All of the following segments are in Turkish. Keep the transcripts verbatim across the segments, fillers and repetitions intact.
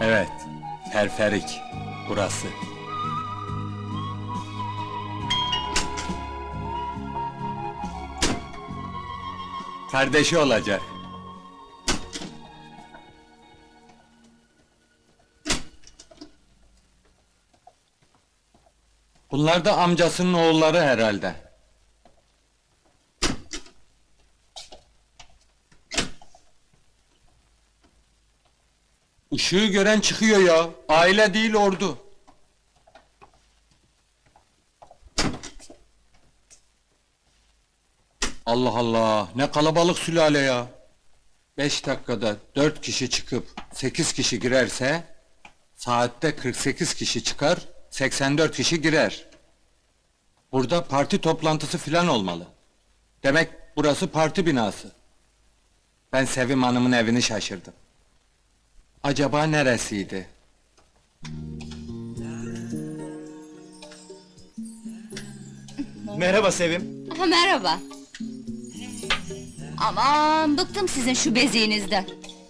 Evet, Ferferik, burası. Kardeşi olacak. Bunlar da amcasının oğulları herhalde. Işığı gören çıkıyor ya, aile değil ordu. Allah Allah, ne kalabalık sülale ya! Beş dakikada dört kişi çıkıp sekiz kişi girerse, saatte kırk sekiz kişi çıkar, seksen dört kişi girer. Burada parti toplantısı filan olmalı. Demek burası parti binası. Ben Sevim Hanım'ın evini şaşırdım. Acaba neresiydi? Merhaba Sevim. Ha, merhaba. Aman, bıktım sizin şu beziğinizden.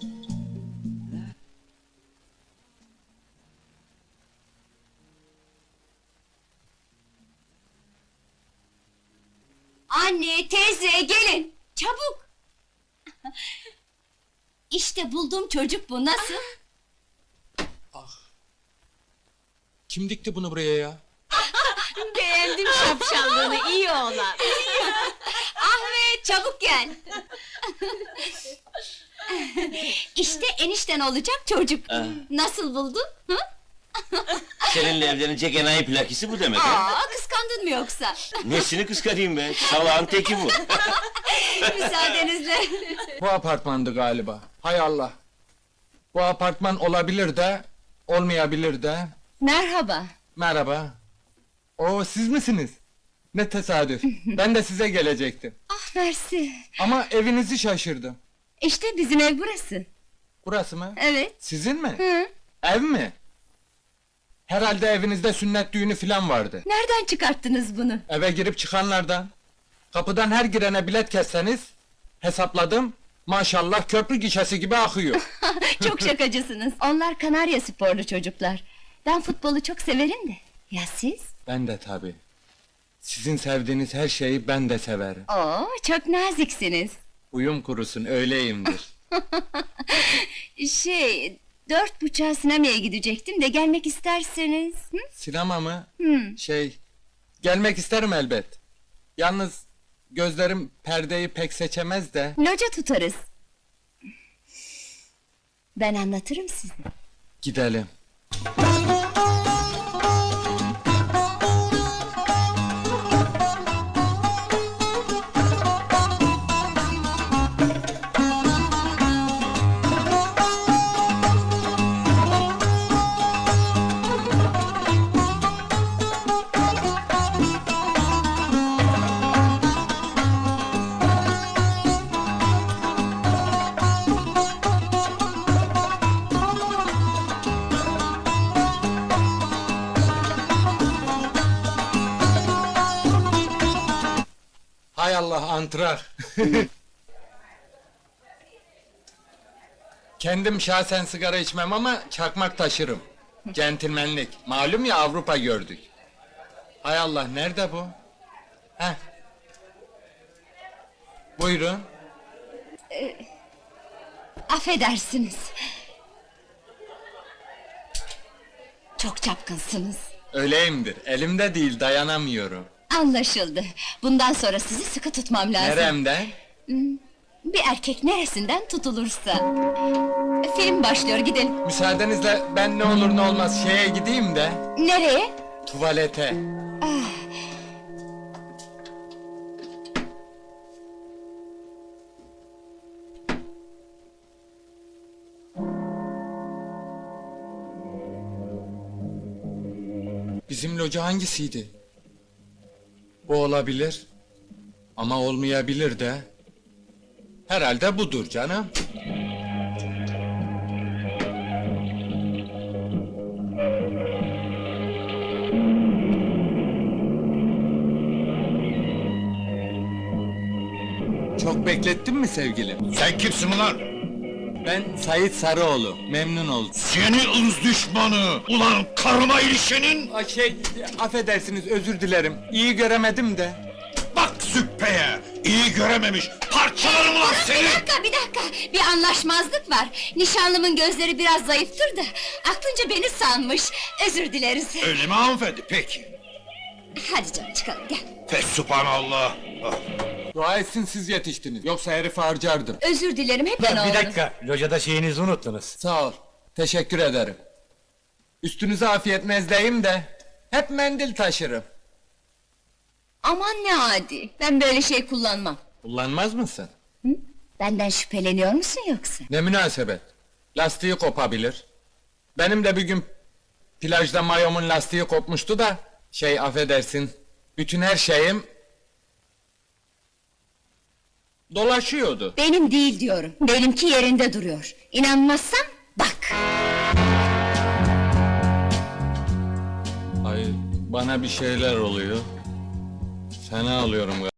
Anne, teyze, gelin! Çabuk! İşte buldum çocuk bu, nasıl? Kim dikti bunu buraya ya? Beğendim şapşallığını, iyi oğlan. Ahmet, çabuk gel! İşte enişten olacak çocuk. Nasıl buldun? Hı? Seninle evlenecek enayi plakisi bu demek ha? Aa, kıskandın mı yoksa? Nesini kıskanayım be? Salağın teki bu. Müsaadenizle. Bu apartmandı galiba. Hay Allah! Bu apartman olabilir de, olmayabilir de. Merhaba. Merhaba. Oo, siz misiniz? Ne tesadüf. Ben de size gelecektim. Ah, mersi. Ama evinizi şaşırdım. İşte bizim ev burası. Burası mı? Evet. Sizin mi? Hı. Ev mi? Herhalde evinizde sünnet düğünü filan vardı. Nereden çıkarttınız bunu? Eve girip çıkanlardan. Kapıdan her girene bilet kesseniz, hesapladım, maşallah köprü gişesi gibi akıyor. Çok şakacısınız. Onlar Kanarya sporlu çocuklar. Ben futbolu çok severim de. Ya siz? Ben de tabii. Sizin sevdiğiniz her şeyi ben de severim. Oo, çok naziksiniz. Uyum kurusun, öyleyimdir. Şey, dört buçuğa sinemaya gidecektim de gelmek isterseniz. Hı? Sinema mı? Hı. Şey, gelmek isterim elbet. Yalnız gözlerim perdeyi pek seçemez de. Loca tutarız. Ben anlatırım size. Gidelim. Hay Allah, antrar! Kendim şahsen sigara içmem ama çakmak taşırım. Centilmenlik, malum ya, Avrupa gördük. Hay Allah, nerede bu? Heh. Buyurun. Affedersiniz. Çok çapkınsınız. Öyleyimdir, elimde değil, dayanamıyorum. Anlaşıldı. Bundan sonra sizi sıkı tutmam lazım. Neremden? Bir erkek neresinden tutulursa. Film başlıyor, gidelim. Müsaadenizle ben ne olur ne olmaz şeye gideyim de... Nereye? Tuvalete. Bizim loca hangisiydi? Bu olabilir. Ama olmayabilir de. Herhalde budur canım. Çok beklettin mi sevgilim? Sen kimsin ulan? Ben Sait Sarıoğlu, memnun oldum. Seni ırz düşmanı! Ulan karıma ilişenin! Ay şey, affedersiniz, özür dilerim. İyi göremedim de. Bak züppeye! İyi görememiş! Parçalarım ulan seni! Bir dakika, bir dakika! Bir anlaşmazlık var. Nişanlımın gözleri biraz zayıftır da... ...aklınca beni sanmış. Özür dileriz. Öyle mi hanımefendi? Peki. Hadi canım çıkalım, gel. Fesubhanallah! Ah. Dua etsin siz yetiştiniz, yoksa herifi harcardım. Özür dilerim, hep ben Bir oldu. dakika, locada şeyinizi unuttunuz. Sağ ol, teşekkür ederim. Üstünüze afiyet mezdeyim de... ...hep mendil taşırım. Aman ne adi, ben böyle şey kullanmam. Kullanmaz mısın? Benden şüpheleniyor musun yoksa? Ne münasebet. Lastiği kopabilir. Benim de bir gün... ...plajda mayomun lastiği kopmuştu da... ...şey affedersin... ...bütün her şeyim... ...dolaşıyordu. Benim değil diyorum, benimki yerinde duruyor. İnanmazsan bak! Ay bana bir şeyler oluyor. Fena alıyorum galiba.